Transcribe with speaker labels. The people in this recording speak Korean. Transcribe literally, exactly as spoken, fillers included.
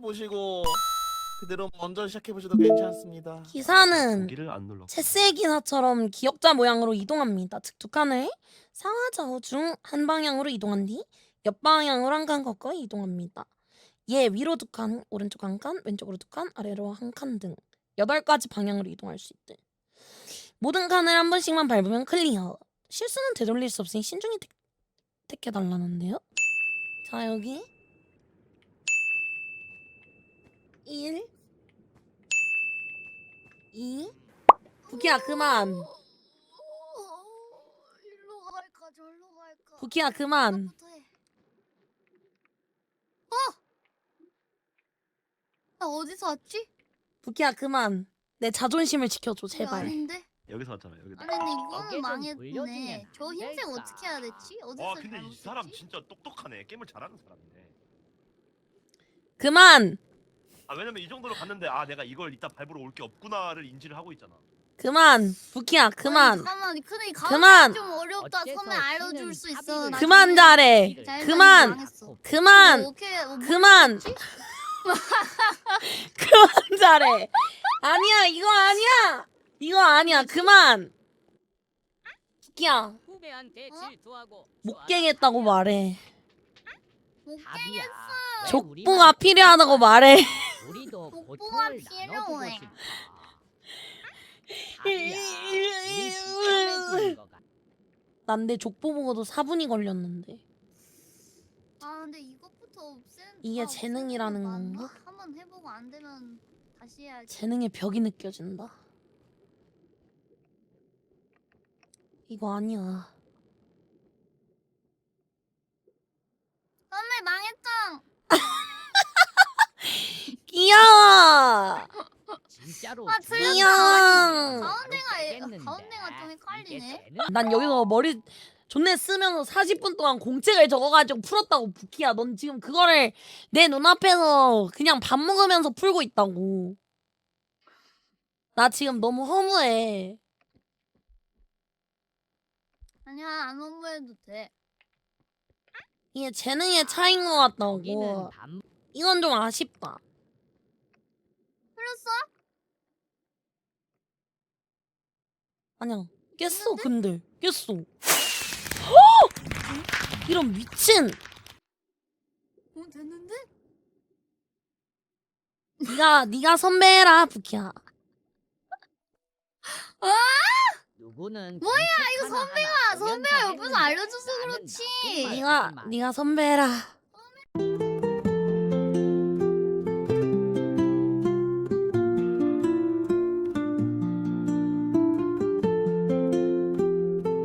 Speaker 1: 보시고 그대로 먼저 시작해 보셔도 괜찮습니다.
Speaker 2: 기사는
Speaker 3: 기를 안 눌러.
Speaker 2: 체스의 기사처럼 기역자 모양으로 이동합니다. 즉 두 칸을 상하좌우 중 한 방향으로 이동한 뒤 옆방향으로 한 칸 걷고 이동합니다. 얘 위로 두 칸, 오른쪽 한 칸, 왼쪽으로 두 칸, 아래로 한 칸 등 여덟 가지 방향으로 이동할 수 있대. 모든 칸을 한 번씩만 밟으면 클리어. 실수는 되돌릴 수 없으니 신중히 택, 택해달라는데요. 자 여기 일 이 부키야 그만.
Speaker 4: 일로 갈까 절로 갈까?
Speaker 2: 부키야 그만.
Speaker 4: 나부터 해. 어? 나 어디서 왔지?
Speaker 2: 부키야 그만. 내 자존심을 지켜줘
Speaker 4: 이거
Speaker 2: 제발.
Speaker 4: 아닌데?
Speaker 3: 여기서 왔잖아. 여기다.
Speaker 4: 아니 근데
Speaker 5: 어깨
Speaker 4: 이거는
Speaker 5: 좀
Speaker 4: 망했네.
Speaker 5: 돌려주면
Speaker 4: 저 흰색
Speaker 5: 될까?
Speaker 4: 어떻게 해야 됐지? 어디서
Speaker 3: 와 근데 이
Speaker 4: 잘못했지?
Speaker 3: 사람 진짜 똑똑하네. 게임을 잘하는 사람이네.
Speaker 2: 그만.
Speaker 3: 아 왜냐면 이 정도로 갔는데 아 내가 이걸 이따 밟으러 올 게 없구나를 인지를 하고 있잖아.
Speaker 2: 그만. 부키야 그만.
Speaker 4: 아니, 잠깐만 근데 가운데
Speaker 2: 그만.
Speaker 4: 좀 어렵다.
Speaker 5: 어째서
Speaker 4: 선배 알려줄 수
Speaker 5: 신은
Speaker 4: 있어.
Speaker 5: 합의를
Speaker 4: 나중에.
Speaker 2: 그만 잘해.
Speaker 4: 잘
Speaker 2: 그만.
Speaker 4: 망했어.
Speaker 2: 그만.
Speaker 4: 뭐 오케이, 뭐
Speaker 2: 그만.
Speaker 4: 뭐지?
Speaker 2: 그만 잘해. 아니야 이거 아니야. 이거 아니야 그만. 부키야
Speaker 5: 후배한테
Speaker 4: 어?
Speaker 5: 질투하고
Speaker 2: 목갱했다고 말해.
Speaker 4: 못
Speaker 5: 답이야. 왜
Speaker 2: 족보가
Speaker 5: 우리만
Speaker 2: 필요하다고 말해.
Speaker 5: 우리도
Speaker 4: 족보가
Speaker 5: 고통을
Speaker 4: 필요해.
Speaker 5: 나눠주고 싶다. 답이야. 우리 시점에 거 같아.
Speaker 2: 난 내 족보 보고도 사 분이 걸렸는데.
Speaker 4: 아 근데 이것부터 없앤
Speaker 2: 이게
Speaker 4: 다
Speaker 2: 재능이라는
Speaker 4: 없애는 게
Speaker 2: 건가?
Speaker 4: 맞나? 한번 해보고 안 되면 다시 해야지.
Speaker 2: 재능의 벽이 느껴진다. 이거 아니야.
Speaker 4: 선배 망했짱.
Speaker 2: 귀여워.
Speaker 5: 진짜로
Speaker 4: 아,
Speaker 5: 중요한
Speaker 2: 틀렸다.
Speaker 5: 건
Speaker 4: 가운데가 애-
Speaker 5: 바로
Speaker 4: 가운데가 좀
Speaker 5: 이게
Speaker 4: 헷갈리네.
Speaker 5: 재능
Speaker 2: 난 여기서 머리 존내 쓰면서 사십 분 동안 공책을 적어가지고 풀었다고. 부키야 넌 지금 그거를 내 눈앞에서 그냥 밥 먹으면서 풀고 있다고. 나 지금 너무 허무해.
Speaker 4: 아니야 안 홍보해도 돼.
Speaker 2: 이게 재능의 차이인 것 같다고.
Speaker 5: 여기는 반
Speaker 2: 이건 좀 아쉽다.
Speaker 4: 풀렸어?
Speaker 2: 아니야 깼어. 근데 깼어. 허! 이런 미친.
Speaker 4: 어 됐는데?
Speaker 2: 네가 네가 선배라 부키야.
Speaker 5: 누구는
Speaker 4: 뭐야,
Speaker 5: 이거
Speaker 4: 선배가 선배가 옆에서 알려줘서 그렇지.
Speaker 2: 네가 네가 선배라.